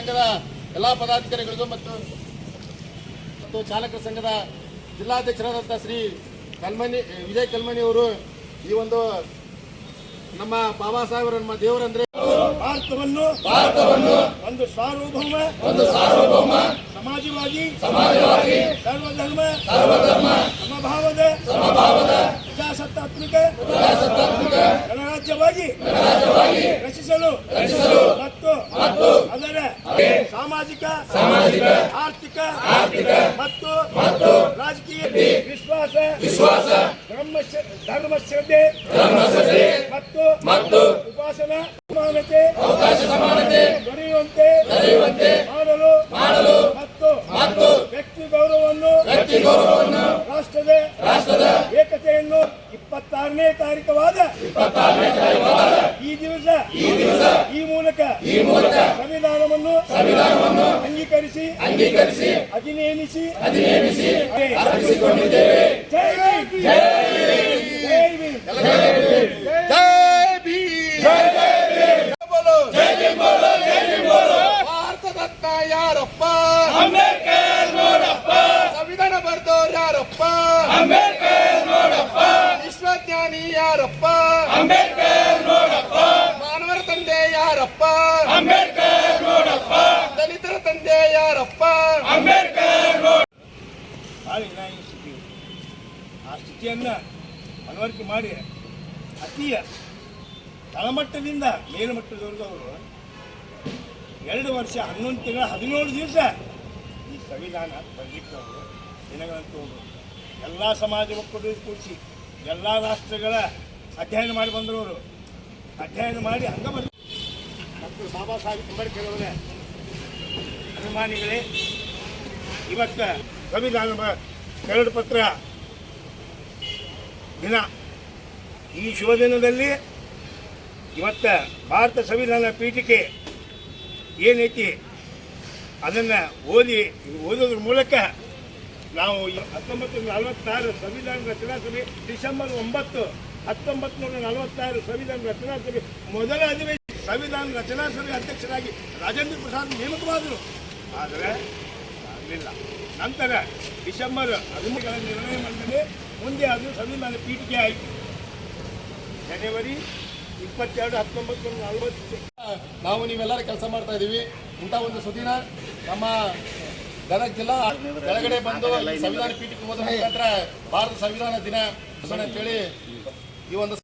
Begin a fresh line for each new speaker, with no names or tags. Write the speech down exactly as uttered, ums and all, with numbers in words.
ಸಂಘದ ಎಲ್ಲಾ ಪದಾಧಿಕಾರಿಗಳಿಗೂ ಮತ್ತು ಮತ್ತು ಚಾಲಕರ ಸಂಘದ ಜಿಲ್ಲಾಧ್ಯಕ್ಷರಾದಂಥ ಶ್ರೀ ಕಲ್ಮನಿ ವಿಜಯ್ ಕಲ್ಮನಿ ಅವರು ಈ ಒಂದು ನಮ್ಮ ಬಾಬಾ ಸಾಹೇಬರ ನಮ್ಮ ದೇವರಂದ್ರೆ
ಭಾರತವನ್ನು ಭಾರತವನ್ನು ಒಂದು ಸಾರ್ವಭೌಮ ಒಂದು ಸಾರ್ವಭೌಮ ಸಮಾಜವಾದಿ ಸಮಾಜವಾದಿ ಸರ್ವಧರ್ಮ ಸರ್ವಧರ್ಮ ಸಮಭಾವದ ಸಮಭಾವದ ಪ್ರಜಾಸತ್ತಾತ್ಮಕ ಪ್ರಜಾಸತ್ತಾತ್ಮಕ ಗಣರಾಜ್ಯವಾಗಿ ಗಣರಾಜ್ಯವಾಗಿ ರಚಿಸಲು ರಚಿಸಲು ಮತ್ತು ಮತ್ತು ಅದರ ಸಾಮಾಜಿಕ ಸಾಮಾಜಿಕ ಆರ್ಥಿಕ ಆರ್ಥಿಕ ಮತ್ತು ಮತ್ತು ರಾಜಕೀಯ ವಿಶ್ವಾಸ ವಿಶ್ವಾಸ ಧರ್ಮ ಧರ್ಮ ಶ್ರದ್ಧೆ ಧರ್ಮ ಶ್ರದ್ಧೆ ಮತ್ತು ಮತ್ತು ಉಪಾಸನಾ ಸಮಾನತೆ ಅವಕಾಶ ಸಮಾನತೆ ದೊರೆಯುವಂತೆ ದೊರೆಯುವಂತೆ ಮಾಡಲು ಮಾಡಲು ಮತ್ತು ಮತ್ತು ವ್ಯಕ್ತಿ ಗೌರವವನ್ನು ವ್ಯಕ್ತಿ ಗೌರವವನ್ನು ರಾಷ್ಟ್ರದ ರಾಷ್ಟ್ರದ ಏಕತೆಯನ್ನು ಇಪ್ಪತ್ತಾರನೇ ತಾರೀಕವಾದ ಇಪ್ಪತ್ತಾರನೇ ತಾರೀಕವಾದ ಈ ದಿವಸ ಈ ದಿವಸ ಈ ಮೂಲಕ ಈ ಮೂಲಕ ಸಂವಿಧಾನವನ್ನು ಸಂವಿಧಾನವನ್ನು ಅಂಗೀಕರಿಸಿ ಅಂಗೀಕರಿಸಿ ಅಧಿನೇಮಿಸಿ ಅಧಿನೇಮಿಸಿ ಅರ್ಪಿಸಿಕೊಂಡಿದ್ದೇವೆ. ಜೈ ಭೀಮ್ ಜೈ ಭೀಮ್ ಜೈ ಭೀಮ್
ಜೈ ಭೀಮ್ ಜೈ ಭಾರತದತ್ತ ಯಾರಪ್ಪ
ಅಂಬೇಡ್ಕರ್ ನೋಡಪ್ಪ
ಸಂವಿಧಾನ ಬರ್ದೋರ್ ಯಾರಪ್ಪ
ಅಂಬೇಡ್ಕರ್ ನೋಡಪ್ಪ
ವಿಶ್ವಜ್ಞಾನಿ ಯಾರಪ್ಪ
ಅಂಬೇಡ್ಕರ್ ನೋಡಪ್ಪ
ಮಾನವರ ತಂದೆ ಯಾರಪ್ಪ
ಅಂಬೇಡ್ಕರ್ ನೋಡಪ್ಪ
ದಲಿತರ ತಂದೆ ಯಾರಪ್ಪ
ಅಂಬೇಡ್ಕರ್ ನೋಡ ಸ್ಥಿತಿ ಆ ಸ್ಥಿತಿಯನ್ನ ಮನವರಿಕೆ ಮಾಡಿ ಅತಿಯ ತಳಮಟ್ಟದಿಂದ ಮೇಲ್ಮಟ್ಟದವರೆಗೂ ಅವರು ಎರಡು ವರ್ಷ ಹನ್ನೊಂದು ತಿಂಗಳ ಹದಿನೇಳು ದಿವಸ ಈ ಸಂವಿಧಾನ ಬರಲಿಕ್ಕೆ ಅವರು ದಿನಗಳಂತೂ ಹೋದರು. ಎಲ್ಲ ಸಮಾಜ ಒಕ್ಕೂಟ ಕೂಡಿಸಿ ಎಲ್ಲ ರಾಷ್ಟ್ರಗಳ ಅಧ್ಯಯನ ಮಾಡಿ ಬಂದವರು ಅಧ್ಯಯನ ಮಾಡಿ ಹಂಗ ಬಂದ ಡಾಕ್ಟರ್ ಬಾಬಾ ಸಾಹೇಬ್ ಅಂಬೇಡ್ಕರ್ ಅವರ ಅಭಿಮಾನಿಗಳೇ, ಇವತ್ತು ಸಂವಿಧಾನ ಕರಡು ಪತ್ರ ದಿನ. ಈ ಶುಭ ದಿನದಲ್ಲಿ ಇವತ್ತ ಭಾರತ ಸಂವಿಧಾನ ಪೀಠಿಕೆ ಏನೈತಿ ಅದನ್ನು ಓದಿ ಓದೋದ್ರ ಮೂಲಕ ನಾವು ಹತ್ತೊಂಬತ್ತು ನೂರ ನಲವತ್ತಾರು ಸಂವಿಧಾನ ರಚನಾ ಸಭೆ ಡಿಸೆಂಬರ್ ಒಂಬತ್ತು ಹತ್ತೊಂಬತ್ತು ನೂರ ನಲವತ್ತಾರು ಸಂವಿಧಾನ ರಚನಾ ಸಭೆ ಮೊದಲ ಅಧಿವೇಶನ ಸಂವಿಧಾನ ರಚನಾ ಸಭೆ ಅಧ್ಯಕ್ಷರಾಗಿ ರಾಜೇಂದ್ರ ಪ್ರಸಾದ್ ನೇಮಕವಾದರು. ಆದರೆ ಆಗಲಿಲ್ಲ. ನಂತರ ಡಿಸೆಂಬರ್ ಹದಿಮೂರರ ನಿರ್ಣಯ ಮಂಡನೆ ಮುಂದೆ ಅದು ಸಂವಿಧಾನ ಪೀಠಿಕೆ ಆಯಿತು. ಜನವರಿ ಇಪ್ಪತ್ತೆರಡು ಹತ್ತೊಂಬತ್ತು ನೂರ ನಲವತ್ತು
ನಾವು ನೀವೆಲ್ಲರೂ ಕೆಲಸ ಮಾಡ್ತಾ ಇದೀವಿ. ಇಂಥ ಒಂದು ಸುದಿನ ನಮ್ಮ ಗದಗ ಜಿಲ್ಲಾ ಕೆಳಗಡೆ ಬಂದು ಸಂವಿಧಾನ ಪೀಠಕ್ಕೆ ಹೋದ ಮುಖಾಂತರ ಭಾರತ ಸಂವಿಧಾನ ದಿನ ಅಂತೇಳಿ ಈ ಒಂದು